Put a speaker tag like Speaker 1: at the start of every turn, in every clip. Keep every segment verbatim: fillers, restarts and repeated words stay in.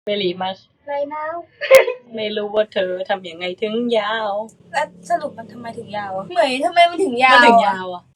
Speaker 1: เมลีมา
Speaker 2: ไรนาว
Speaker 1: ไม่รู้ว่าเธอทำยังไงถึงยาว
Speaker 2: แล้วสรุปมันทำไมถึงยาวอะเหมยทำไมมันถึงยาว
Speaker 1: มันถึงยาวอ่ะ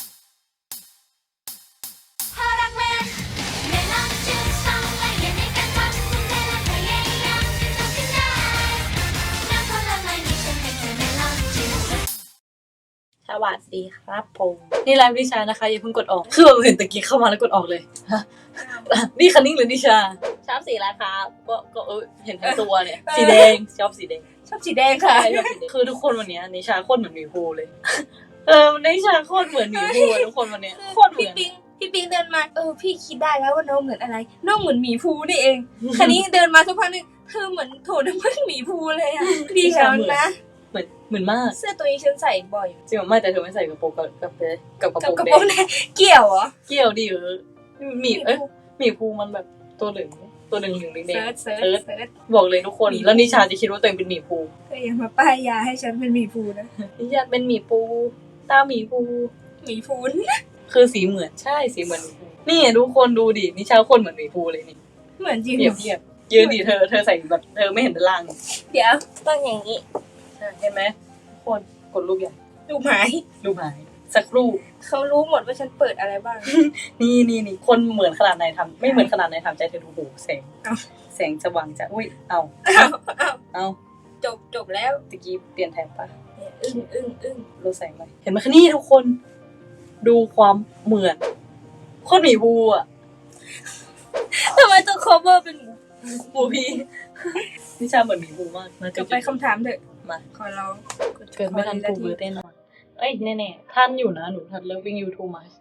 Speaker 1: สวัสดีครับผมนี่ไลฟ์นิชานะคะอย่าเพิ่งกดออกคือแบบเห็นตะกี้เข้ามาแล้วกดออกเลยฮะนี่คันนิ่งหรือนิชาชอบสีอะไรครับก็ก็เออเห็นทั้งตัวเนี่ยสีแดงชอบสีแดง
Speaker 2: ชอบสีแดงค่ะ
Speaker 1: คือทุกคนวันนี้นิชาโคตรเหมือนหมีภูเลยเออนิชาโคตรเหมือนหมีภูทุกคนวันนี้โคตรเหมื
Speaker 2: พี่
Speaker 1: อน
Speaker 2: ปิงพี่ปิงเดินมาเออพี่คิดได้แล้วว่าน้องเหมือนอะไรน้องเหมือนหมีภูนี่เองคันนี้เดินมาสักพักนึงเธอเหมือนโถน้ำมันหมีภูเลยอ่ะดีแล้วนะ
Speaker 1: เหมือนเหมือนมาก
Speaker 2: เสื้อตัวนี้ฉันใส่บ่อย
Speaker 1: จริงไม่แต่เธอไม่ใส่กระโปรงกับกับกับกระ
Speaker 2: กับ
Speaker 1: โปรง
Speaker 2: กระ
Speaker 1: แด
Speaker 2: โปรง
Speaker 1: ง
Speaker 2: แดงเกี่ยวเหรอ
Speaker 1: เกี่ยวดีเออหมีเอ้ยหมีภูมันแบบตัวเหลืองตัวหนึ่งหนึ่งแดง
Speaker 2: เซิร์ชเซิร์ช
Speaker 1: เซิร์ช
Speaker 2: เซิร์ช
Speaker 1: บอกเลยทุกคนแล้วนิชาจะคิดว่าตัวเองเป็นหมีภู
Speaker 2: เธอยังมาป้ายยาให้ฉันเป็นหมีภูนะ
Speaker 1: นิชาเป็นหมีภูตาหมีภู
Speaker 2: หมีภู
Speaker 1: คือสีเหมือนใช่สีเหมือนหมีภูนี่ทุกคนดูดินิชาคนเหมือนหมีภูเลยนี่
Speaker 2: เหมือนจริง
Speaker 1: เทียบเทียบยืนดิเธอเธอใส่แบบเธอไม่เห็นด้านล่าง
Speaker 2: เดี๋ยวต้องอย่างนี้
Speaker 1: ใช่เห็นไหมทุกคนกดรูปใหญ่
Speaker 2: ดูหมาย
Speaker 1: รูปหายสักครู่
Speaker 2: เขารู้หมดว่าฉันเปิดอะไรบ้าง
Speaker 1: นี่นี่นี่คนเหมือนขนาดไหนทำไม่เหมือนขนาดไหนทำใจเธอดูโหแสง
Speaker 2: เอา
Speaker 1: แสงสว่างจะอุ้ยเอา
Speaker 2: อ้าวอ้าว
Speaker 1: เอา
Speaker 2: จบจบแล้ว
Speaker 1: ตะกี้เปลี่ยนแทนปะ
Speaker 2: เนี่ยอึ้งอึ้งอึ้ง
Speaker 1: ลดแสงไปเห็นไหมคะนี่ทุกคน ดูความเหมือนโคตรหมีภูอ่ะ
Speaker 2: ทำไมต้อง cover เป็นหมู
Speaker 1: ภูพี่นิชาเหมือนหมีภูมากนะ
Speaker 2: กลับไปคำถามเถอะ
Speaker 1: มา
Speaker 2: ขอร้อง
Speaker 1: เกิดไม่ทันภูเบอร์แน่นอนเอ้ยแน่ๆท่านอยู่นะหนูทัน loving you too much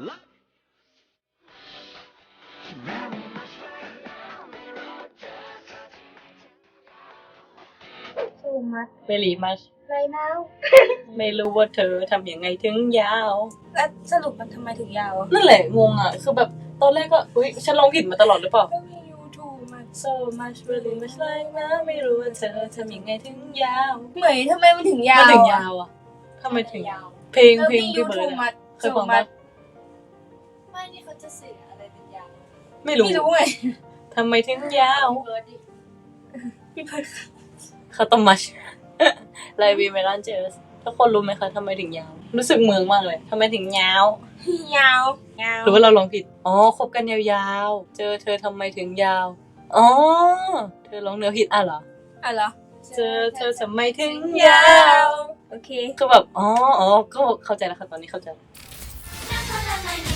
Speaker 2: สู้มัด
Speaker 1: เมลีมัช
Speaker 2: ไรนาว
Speaker 1: ไม่รู้ว่าเธอทำยังไงถึงยาว
Speaker 2: แล้วสรุปมันทำไมถึงยาวอะ
Speaker 1: นั่นแหละงงอ่ะ คือแบบตอนแรกก็อุ้ยฉันร้องผิดมาตลอดหรือเปล่า
Speaker 2: Loving you too much
Speaker 1: so much really much like นะไม่รู้ว่าเธอทำยังไงถึงยาว
Speaker 2: เหมยทำไมมันถึงยาว
Speaker 1: มันถึงยาวอ่ะทำไมถึงยาว เพลงเพลง
Speaker 2: Loving
Speaker 1: พี่
Speaker 2: you
Speaker 1: เบิ
Speaker 2: too
Speaker 1: ร์ดอะ
Speaker 2: much
Speaker 1: เคยฟัง
Speaker 2: so
Speaker 1: ปะ
Speaker 2: much ไม่นี่เขาจะสื่ออะไรเป็นยาว
Speaker 1: ไม่รู้
Speaker 2: ไม่รู้ไง
Speaker 1: ทำไมถึงยาว
Speaker 2: เบิร์ดดิพี่เบิร์ด
Speaker 1: คาตอมัช ไลวีเมลันเจอสทุกคนรู้ไหมคะทำไมถึงยาว รู้สึกเมืองมากเลยทำไมถึงยาว
Speaker 2: ยาวยาว
Speaker 1: หรือว่าเราลองผิดอ๋อคบกันยาวๆเจอเธอทำไมถึงยาวอ๋อเธอร้องเนื้อผิดอ่ะเหรอ
Speaker 2: อ่ะเหรอ
Speaker 1: เจอเธอทำไมถึง
Speaker 2: ยาย
Speaker 1: าว ว
Speaker 2: โอเค
Speaker 1: คือแบบอ๋ออ๋อก็เข้าใจแล้วค่ะตอนนี้เข้าใจ
Speaker 3: Now